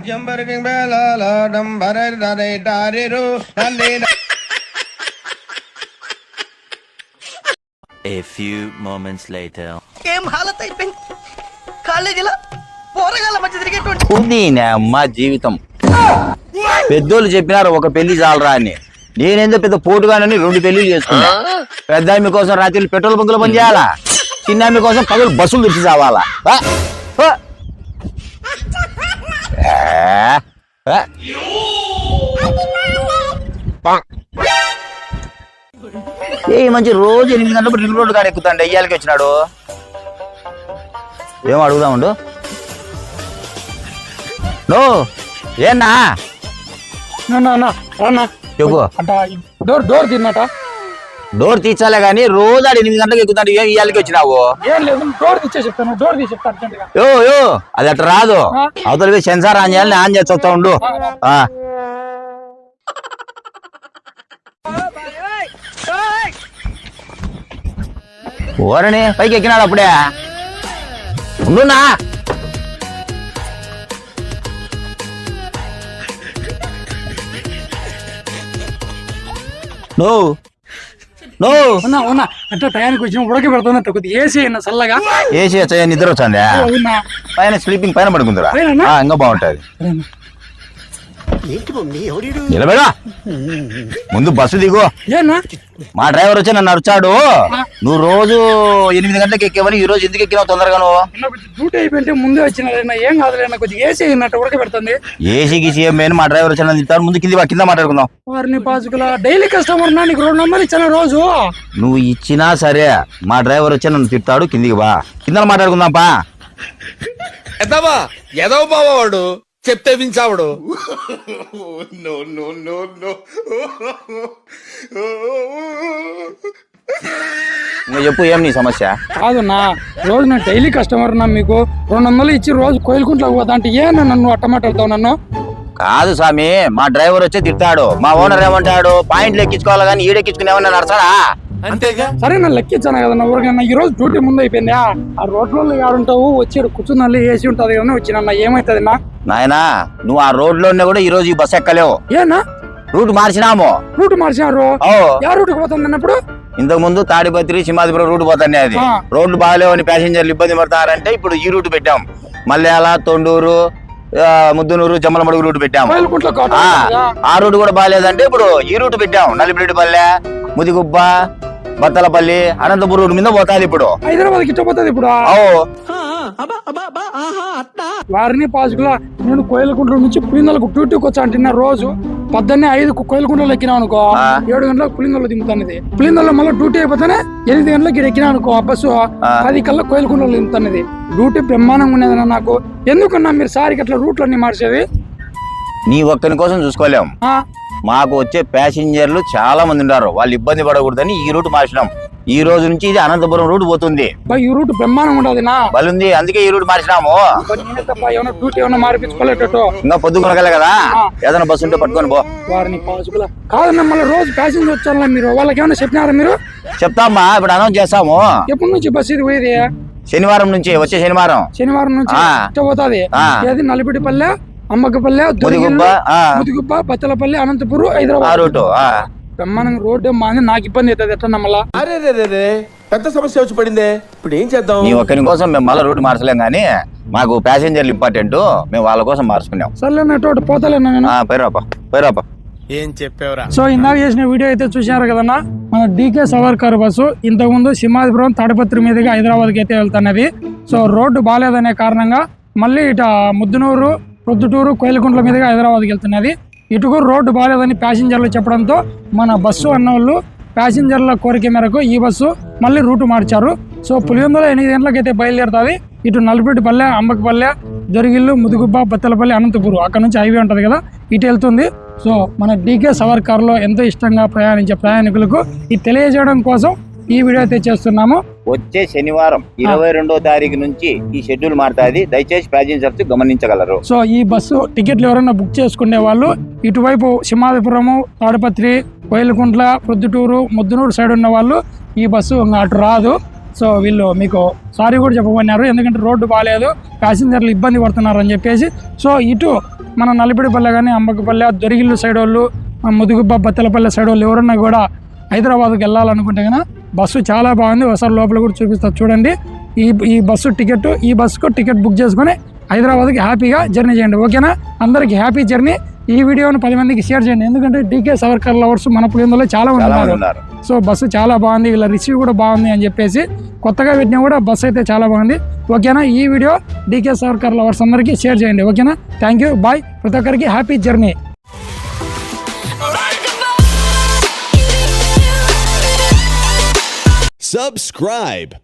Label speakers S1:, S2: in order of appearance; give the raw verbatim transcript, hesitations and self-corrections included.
S1: A few moments later.
S2: ఏం హాలత్ అయిపోయింది కాలేజీలో పోరగాళ్ళ మధ్య తిరిగేటువంటి
S3: ఉంది అమ్మ జీవితం. పెద్దోళ్ళు చెప్పినారు ఒక పెళ్లి చాలరా అని. నేనేందో పెద్ద పోటుగానని రెండు పెళ్లిళ్ళు చేసుకున్నా. పెద్ద ఆమె కోసం రాత్రి పెట్రోల్ బంకులో పని చేయాలా, చిన్న ఆమె కోసం పగలు బస్సులు తెచ్చి చావాలా. ఏ మంచి రోజు ఎనిమిది గంటలకు రింగ్ రోడ్డు కాడ ఎక్కుతాండి. అయ్యాలకి వచ్చినాడు. ఏమో అడుగుదాముండు. నో ఏనా చెప్పు.
S4: డోర్ డోర్ తిన్నట
S3: డోర్ తీర్చాలే గానీ రోజు ఆడు ఎనిమిది గంటలకు ఎక్కుతాడు. ఏం ఇయ్యాలకి వచ్చినావు?
S4: ఏం లేదు, డోర్ తీసే చెప్తాను. డోర్ తీసి చెప్తాను.
S3: యో యో అది అట్లా రాదు. అవతల సెన్సార్ ఆన్ చేయాలని ఆన్ చేసి వస్తా ఉండు. ఓరని పైకి ఎక్కినాడు అప్పుడే. ఉండునా నో నో
S4: అంటే టయానికి వచ్చిన ఉడక పెడుతున్నట్టు కొద్దిగా ఏసీ అయినా చల్లగా.
S3: ఏసీ వచ్చా నిద్ర వచ్చిందా? పైన స్లీపింగ్ పైన పడుకుందిరా, ఇంకా బాగుంటది. నిలబడా ముందు బస్సు దిగు. మా డ్రైవర్ వచ్చి నన్ను అరిచాడు. నువ్వు రోజు ఎనిమిది గంటలకు ఎక్కేవని ఈ రోజు ఎందుకు ఎక్కినావు తొందరగా? నువ్వు
S4: డ్యూటీ అయిపోయింటే ముందే వచ్చిన ఏం కాదులే, కొద్దిగా ఏసీ అయినట్టు ఉడక పెడుతుంది.
S3: ఏసీ గీసీ ఏం మెయిన్ మా డ్రైవర్ వచ్చి తింటాడు. ముందు కింద కింద మాట్లాడుకుందాం.
S4: వారిని పాసుకుల డైలీ కస్టమర్ నా, నీకు రెండు నెంబర్లు ఇచ్చాను రోజు.
S3: నువ్వు ఇచ్చినా సరే మా డ్రైవర్ వచ్చి నన్ను తిట్టాడు. కిందికి బా, కింద మాట్లాడుకుందాం. పా
S5: ఎదవా ఎదవ బావాడు చెప్తే వించావుడు.
S3: నువ్వు చెప్పు, ఏం నీ సమస్య?
S4: కాదు నా, రోజు నా డైలీ కస్టమర్ నా, మీకు రెండు వందలు ఇచ్చి రోజు కోయిలకుంట్లోకి పోతా అంటే ఏ నన్ను అట్టమాటలుతావు నన్ను?
S3: కాదు స్వామి, మా డ్రైవర్ వచ్చి తిట్టాడు. మా ఓనర్ ఏమంటాడు, పాయింట్లు ఎక్కించుకోవాలి కానీ ఈడెక్కించుకునేవన్నా నడసాడా?
S5: అంతేగా.
S4: సరే నన్ను లెక్కించాను కదా నా ఊరికన్నా. ఈ రోజు డ్యూటీ ముందు అయిపోయిందా? ఆ రోడ్లలో ఆడుంటావు, వచ్చి కూర్చున్న ఏసీ ఉంటది కదా వచ్చిన ఏమైతుంది నా?
S3: నాయనా నువ్వు ఆ రోడ్ లో కూడా ఈ రోజు ఈ బస్ ఎక్కలేవు.
S4: ఏనా
S3: రూట్ మార్చినాము.
S4: రూట్ మార్చినారు? ఏ రూట్ పోతుంది అన్నప్పుడు?
S3: ఇంతకు ముందు తాడిపత్రి సింహాద్రిపురం రూట్ పోతానే. అది రోడ్లు బాగాలేవని ప్యాసింజర్లు ఇబ్బంది పడతారంటే ఇప్పుడు ఈ రూట్ పెట్టాం. మల్యాల, తొండూరు, ముద్దునూరు, జమ్మలమడుగు రూట్ పెట్టాము. ఆ రూట్ కూడా బాగాలేదంటే ఇప్పుడు ఈ రూట్ పెట్టాం. నలిపిరెడ్డిపల్లె, ముదిగుబ్బ, బత్తలపల్లి, అనంతపురం రూట్ మీద పోతాది ఇప్పుడు.
S4: హైదరాబాద్ గిట్ట పోతుంది ఇప్పుడు. వారిని పాసుకుల నేను కోయిలకుంట్ల నుంచి పులిందలకు డ్యూటీకి వచ్చా అంటున్నా. రోజు పొద్దున్నే ఐదు కోయిలకుంట్లలో ఎక్కినా అనుకో, ఏడు గంటలకు పులిందల్లో దింపుతానది. పులిందల్లో మళ్ళీ డ్యూటీ అయిపోతానే ఎనిమిది గంటలకు ఇక్కడ ఎక్కినా అనుకో బస్సు, పది కల్లా కోయిలకుంట్లలో దింపుతానది. డ్యూటీ బ్రహ్మాండంగా ఉండేదన్న నాకు. ఎందుకన్నా మీరు సారికి అట్లా రూట్లన్నీ మార్చేది?
S3: నీ ఒక్కని కోసం చూసుకోలేం. మాకు వచ్చే ప్యాసింజర్లు చాలా మంది ఉన్నారు, వాళ్ళు ఇబ్బంది పడకూడదని ఈ రూట్ మార్చినాం. ఈ రోజు నుంచి ఇది అనంతపురం రూట్ పోతుంది.
S4: ఈ రూట్ బ్రహ్మాండంగా ఉండదు నా
S3: బలుంది, అందుకే ఈ రూట్ మార్చినాము.
S4: డ్యూటీ ఏమైనా మార్పించుకోలేటట్టు
S3: ఇంకా పొద్దుకునగల కదా, ఏదైనా బస్సు ఉంటే పట్టుకొని పో.
S4: వారిని పాసుకుల కాదన్నా మళ్ళీ రోజు ప్యాసింజర్ వచ్చారా మీరు? వాళ్ళకి ఏమైనా చెప్పినారా మీరు?
S3: చెప్తామా, ఇప్పుడు అనౌన్స్ చేస్తాము.
S4: ఎప్పటి నుంచి బస్సు ఇది పోయేది?
S3: శనివారం నుంచి, వచ్చే శనివారం.
S4: శనివారం నుంచి పోతుంది. ఏది నలిపిడిపల్లె, అమ్మకపల్లె, ముదిగుబ్బ, బత్తలపల్లి, అనంతపురం, హైదరాబాద్ రూట్. బ్రహ్మాండంగా రోడ్డు మాది. నాకు ఇబ్బంది అవుతుంది ఎట్లా నమ్మలా?
S5: అరే పెద్ద సమస్య వచ్చి పడిందే, ఇప్పుడు ఏం చేద్దాం?
S3: నీ ఒక్కరి కోసం మేము మళ్ళీ రూట్ మార్చలేం కానీ మాకు ప్యాసింజర్లు ఇంపార్టెంట్, మేము వాళ్ళ కోసం మార్చుకున్నాం.
S4: సర్లేనట్టు పోతలేనా నేను?
S3: పైరాపా పైరాపా
S5: ఏం చెప్పావురా?
S4: సో ఇందాక చేసిన వీడియో అయితే చూసారు కదన్నా, మన డీకే సవర్కర్ బస్సు ఇంతకు ముందు సింహాద్రిపురం తాడిపత్రి మీదుగా హైదరాబాద్కి అయితే వెళ్తున్నది. సో రోడ్డు బాగాలేదనే కారణంగా మళ్ళీ ఇట ముద్దునూరు, ప్రొద్దుటూరు, కోయిలకుంట్ల మీదుగా హైదరాబాద్కి వెళ్తున్నది. ఇటుకు రోడ్డు బాగాలేదని ప్యాసింజర్లు చెప్పడంతో మన బస్సు అన్నోళ్ళు ప్యాసింజర్ల కోరిక మేరకు ఈ బస్సు మళ్ళీ రూటు మార్చారు. సో పులివెందుల ఎనిమిది గంటలకైతే బయలుదేరుతుంది. ఇటు నలుపెట్టిపల్లె, అంబకపల్లె, దొరిగిల్లు, ముదుగుబ్బ, బత్తలపల్లి, అనంతపురం అక్కడ నుంచి హైవే ఉంటుంది కదా, ఇటు వెళ్తుంది. సో మన డీకే సవర్కర్లో ఎంతో ఇష్టంగా ప్రయాణించే ప్రయాణికులకు ఇది తెలియజేయడం కోసం ఈ వీడియో అయితే చేస్తున్నాము.
S3: వచ్చే శనివారం ఇరవై రెండో తారీఖు నుంచి ఈ షెడ్యూల్ మారుతుంది, దయచేసి ప్యాసింజర్స్ గమనించగలరు.
S4: సో ఈ బస్సు టికెట్లు ఎవరైనా బుక్ చేసుకునే వాళ్ళు ఇటువైపు సింహాద్రిపురము, తాడిపత్రి, కోయిలకుంట్ల, ప్రొద్దుటూరు, ముద్దునూరు సైడ్ ఉన్న వాళ్ళు ఈ బస్సు అటు రాదు. సో వీళ్ళు మీకు సారీ కూడా చెప్పమన్నారు, ఎందుకంటే రోడ్డు బాగాలేదు, ప్యాసింజర్లు ఇబ్బంది పడుతున్నారు అని చెప్పేసి. సో ఇటు మన నలిపిడిపల్లె కానీ అంబకపల్లె దొరిగిల్లు సైడ్ వాళ్ళు ముదుగుబ్బ బత్తలపల్లె సైడ్ వాళ్ళు ఎవరన్నా కూడా హైదరాబాద్కి వెళ్ళాలనుకుంటే కన్నా బస్సు చాలా బాగుంది. ఒకసారి లోపల కూడా చూపిస్తారు చూడండి. ఈ ఈ బస్సు టికెట్ ఈ బస్సుకు టికెట్ బుక్ చేసుకొని హైదరాబాద్కి హ్యాపీగా జర్నీ చేయండి. ఓకేనా, అందరికి హ్యాపీ జర్నీ. ఈ వీడియోని పది మందికి షేర్ చేయండి, ఎందుకంటే డీకే సవర్కర్ లవర్స్ మన పులిందులో చాలా మంది ఉన్నారు. సో బస్సు చాలా బాగుంది, వీళ్ళ రిసీవ్ కూడా బాగుంది అని చెప్పేసి కొత్తగా పెట్టినా కూడా బస్సు అయితే చాలా బాగుంది. ఓకేనా, ఈ వీడియో డీకే సవర్కర్ లవర్స్ అందరికీ షేర్ చేయండి. ఓకేనా, థ్యాంక్ యూ, బాయ్. ప్రతి ఒక్కరికి హ్యాపీ జర్నీ.
S6: Subscribe.